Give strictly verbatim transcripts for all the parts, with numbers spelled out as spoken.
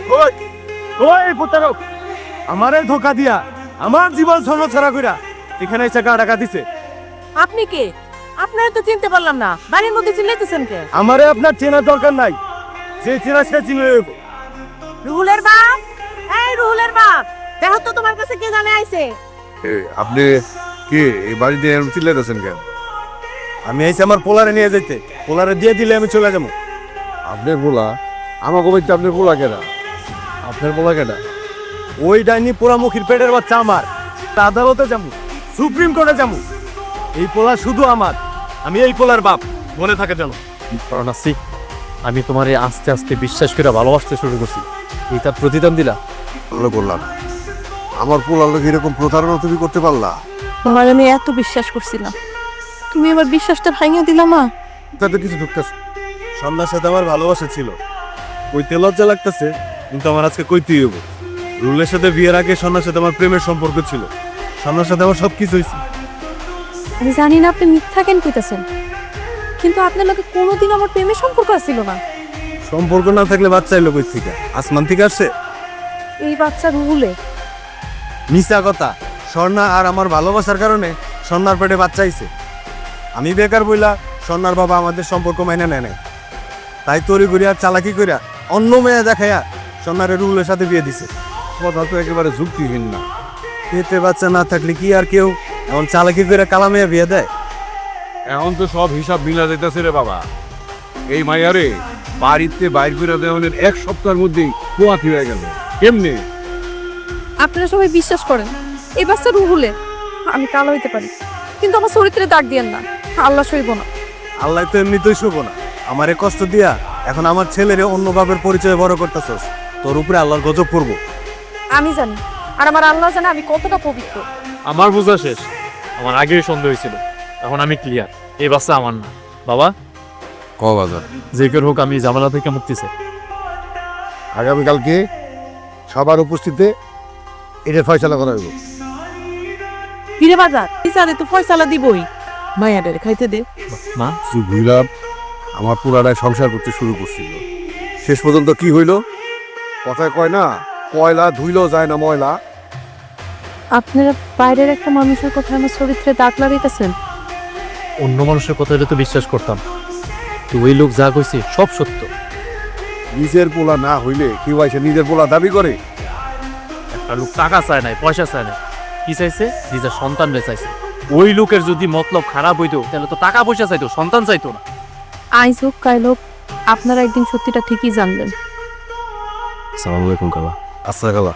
ওই ওই প্রতারক, আমারে ধোকা দিয়া আমার জীবন ছন্নছাড়া কইরা এখানে এসে গা টাকা দিছে। আপনি কে? আপনারা তো চিনতে পারলাম না, বাড়ির মধ্যে চিল্লাইতেছেন কে? আমারে আপনার চেনার দরকার নাই, যে চেনা সে চিনে নেব। রুহুলের বাপ, এই রুহুলের বাপ, দেখো তো তোমার কাছে কে জানে আইছে। আপনি কে এই বাড়িতে এরকম চিল্লাইতেছেন কেন? আমি আইছি আমার পোলারে নিয়ে যাইতে, পোলারে দিয়ে দিলে আমি চলে যাবো। আপনার পোলা? আমাকে বলতে আপনার পোলা কেনা? আপনার পোলা কেনা? ওই ডাইনি পোড়ামুখীর পেটের বাচ্চা আমার। আদালতে যাবো, সুপ্রিম কোর্টে যাবো, এই পোলা শুধু আমার, আমি এই পোলার বাপ, মনে থাকে যেন। কারণ আসি আমি তোমারে আস্তে আস্তে বিশ্বাস করে ভালোবাসতে শুরু করছি, এই তার প্রতিদান দিলা। ভালো করলাম। আমার পোলার লোক এরকম প্রতারণা তুমি করতে পারলা? তোমার আমি এত বিশ্বাস করছিলাম, তুমি আমার বিশ্বাসটা ভাঙিয়ে দিলা মা। তাতে কিছু ঢুকতেছে। সন্ধ্যার সাথে আমার ভালোবাসা ছিল, কইতে লজ্জা লাগতেছে, কিন্তু আমার আজকে কইতেই হবো। রুলের সাথে বিয়ের আগে সন্ধ্যার সাথে আমার প্রেমের সম্পর্ক ছিল, সন্ধ্যার সাথে আমার সবকিছু হয়েছে। আমি জানি না আপনি মিথ্যা কেন কইতাছেন, কিন্তু আপনার লোকে কোনোদিন আমার প্রেমের সম্পর্ক ছিল না। সম্পর্ক না থাকলে বাচ্চা এলো কই থেকে? আসমান থেকে আসছে? এই বাচ্চা রুহুলে। মিশা কথা। স্বর্ণা আর আমার ভালোবাসার কারণে স্বর্ণার পেটে বাচ্চা আইছে। আমি বেকার বইলা স্বর্ণার বাবা আমাদের সম্পর্ক মাইনে নেয় নাই, তাই তরি করিয়া চালাকি করিয়া অন্য মেয়ে দেখাইয়া স্বর্ণারে রুলের সাথে বিয়ে দিছে। কথা তো একেবারে যুক্তিহীন না। পেটে বাচ্চা না থাকলে কি আর কেউ এমন চালাকি করে কালা মেয়ে বিয়ে দেয়? এখন তো সব হিসাব মিলা যাইতেছে রে বাবা। এই মাইয়ারে বাড়িতে বাইর করে দেওয়ানের এক সপ্তাহের মধ্যেই পোয়াতি হয়ে গেল। কেমনে? আপনারা সবাই বিশ্বাস করেন এই বাচ্চা রুহুলে। আমি কালো হইতে পারি, কিন্তু আমার চরিত্রে দাগ দিয়েন না, আল্লাহ সইব না। আল্লাহ তো এমনিতেই শুভ না, আমারে কষ্ট দিয়া এখন আমার ছেলেরে অন্য বাপের পরিচয় বড় করতেছস, তোর উপরে আল্লাহর গজব পড়বো। আমি জানি, আর আমার আল্লাহ জানে আমি কতটা পবিত্র। আমার বোঝা শেষ, আমার আগেই সন্দেহ হয়েছিল, এখন আমি ক্লিয়ার, এই বাচ্চা আমার না। বাবা, ক বাজার যে কেউ হোক আমি ঝামেলা থেকে মুক্তি চাই। আগামীকালকে সবার উপস্থিতিতে এটা ফয়সালা করা হইব। ফিরে বাজার বিচারে তো ফয়সালা দিবই, মায়াদের খাইতে দে। মা, বুঝলাম আমার পুরাটায় সংসার করতে শুরু করছিল, শেষ পর্যন্ত কি হইল? কথায় কয় না, কয়লা ধুইলেও যায় না ময়লা। আপনারা বাইরের একটা মানুষের কথা আমার চরিত্রে দাগ লাগাইতেছেন। অন্য মানুষের কথা হলে তো বিশ্বাস করতাম, তো ওই লোক যা কইছে সব সত্য। নিজের পোলা না হইলে কেউ এসে নিজের পোলা দাবি করে? একটা লোক টাকা চায় নাই, পয়সা চায় নাই, কি চাইছে? নিজের সন্তানরে চাইছে। ওই লোকের যদি মতলব খারাপ হইতো তাহলে তো টাকা পয়সা চাইতো, সন্তান চাইতো না। আইজ হোক কাইল হোক, আপনারা একদিন সত্যিটা ঠিকই জানবেন। আসসালামু আলাইকুম কালা। আচ্ছা গালা,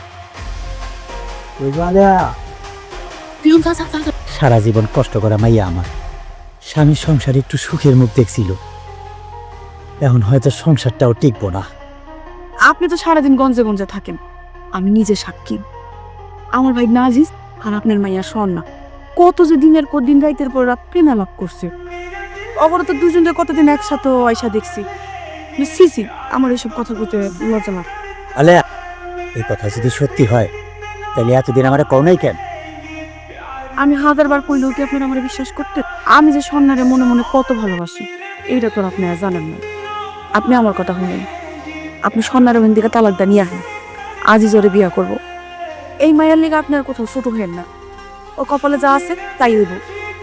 সারা জীবন কষ্ট করা মাইয়া আমার স্বামীর সংসারে একটু সুখের মুখ দেখছিল, এখন হয়তো সংসারটাও টিকবো না। আপনি তো সারাদিন গঞ্জে গঞ্জে থাকেন, আমি নিজে সাক্ষী। আমার ভাই নাজিস আর আপনার মাইয়া স্বর্ণা কত যে দিনের পর দিন রাইতের পর রাত প্রেমা লাভ করছে। অবরত দুজনের কতদিন একসাথে আয়সা দেখছি। সিসি আমার এসব কথা বলতে লজ্জা লাগে। আলে, এই কথা যদি সত্যি হয় তাহলে এতদিন আমার কও কেন? আমি হাজার বার কইলেও কি আপনারা আমার বিশ্বাস করতেন? আমি যে স্বর্ণারে মনে মনে কত ভালোবাসি এইটা তো আপনি আর জানেন না। আপনি আমার কথা শুনেন, আপনি স্বর্ণার ওখান থেকে তালাকটা নিয়ে আসেন, আজই জোরে বিয়া করব। এই মায়ের লেগে আপনার কোথাও ছোট হইেন না, ও কপালে যা আছে তাই হইব।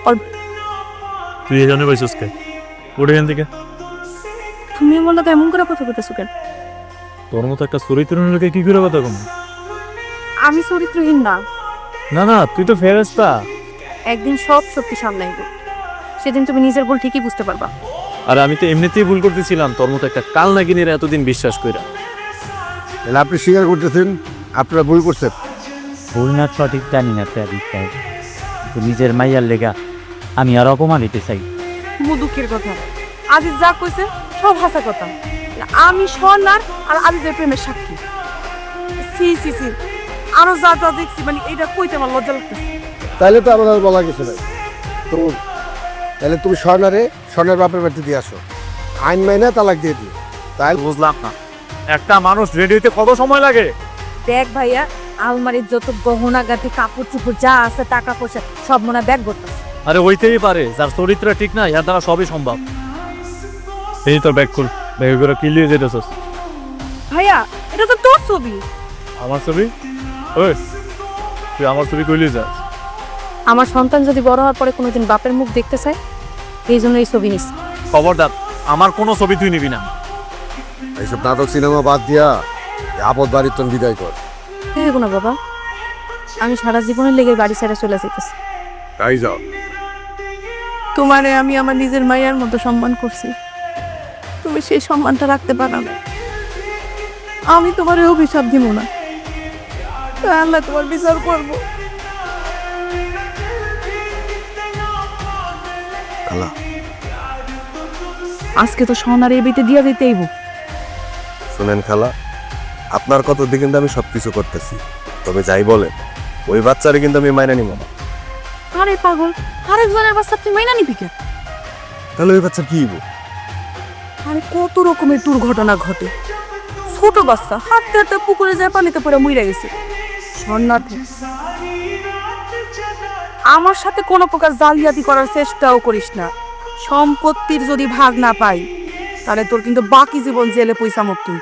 তুই এখানে পাইছিস কে? ওটা এখান থেকে। তুমি বললো তো এমন করে কথা বলতেছো কেন? তোর মতো একটা চরিত্রের লোকে কি করে কথা কম? আমি চরিত্রহীন না, না না, তুই তো ফেরেশতা। একদিন সব শক্তি সামলাইব, সেদিন তুমি নিজের ভুল ঠিকই বুঝতে পারবা। আর আমি তো এমনিতেই ভুল করতেছিলাম তোর মতো একটা কাল নাগিনীর এতদিন বিশ্বাস কইরা। তাহলে আপনি স্বীকার করতেছেন আপনারা ভুল করছেন? ভুল না সঠিক জানি না, তো নিজের মাইয়ার লেগা আমি আর অপমান হইতে চাই। খুব দুঃখের কথা, আজিজ যা কইছে সব হাসা কথা। আমি স্বর্ণার আর আজিজের প্রেমের সাক্ষী। সি সি সি আরো যা যা দেখছি, মানে এটা কইতে আমার লজ্জা লাগতেছে। তাহলে তো আমাদের বলা গেছে ভাই, তো তাহলে তুমি স্বর্ণারে স্বর্ণের বাপের বাড়িতে দিয়ে আসো, আইন মাইনা তালাক দিয়ে দিও। তাই বুঝলাম না, একটা মানুষ রেডি হইতে কত সময় লাগে? দেখ ভাইয়া, আলমারির যত গহনা গাটি কাপড় চুপড় যা আছে টাকা পয়সা সব মনে ব্যাগ করতেছে। আরে হইতেই পারে, যার চরিত্র ঠিক না ইয়ার দ্বারা সবই সম্ভব। এই তোর ব্যাগ খুল, ব্যাগ করে কি লিয়ে যেতেছস? ভাইয়া এটা তো তোর ছবি। আমার ছবি? ওই তুই আমার ছবি কইলি যাস? আমার সন্তান যদি বড় হওয়ার পরে কোনোদিন বাপের মুখ দেখতে চায়, এই জন্য এই ছবি নিস। খবরদার, আমার কোনো ছবি তুই নিবি না। এইসব নাটক সিনেমা বাদ দিয়া এই আপদ বাড়ির তন বিদায় কর। দেখো না বাবা, আমি সারা জীবনের লেগে বাড়ি ছেড়ে চলে যেতেছি। তাই যাও। তোমারে আমি আমার নিজের মায়ের মতো সম্মান করছি, তুমি সেই সম্মানটা রাখতে পারো না। আমি তোমার অভিশাপ দিব না, আল্লাহ তোমার বিচার করবো। খালা, আজকে তো সোনার এই বিতে দিয়া দিতেইব। শুনেন খালা, আপনার কত দিকে কিন্তু আমি সবকিছু করতেছি, তবে যাই বলেন ওই বাচ্চারে কিন্তু আমি মাইনা নিব না। আরে পাগল, আরেকজনের বাচ্চা তুই মাইনা নিবি কেন? তাহলে ওই বাচ্চা কি হইব? আরে কত রকমের দুর্ঘটনা ঘটে। ছোট বাচ্চা হাঁটতে হাঁটতে পুকুরে যায় পানিতে পড়ে মইরা গেছে। শরণার্থী আমার সাথে কোনো প্রকার জালিয়াতি করার চেষ্টাও করিস না। সম্পত্তির যদি ভাগ না পাই, তাহলে তোর কিন্তু বাকি জীবন জেলে পয়সা মুক্তি।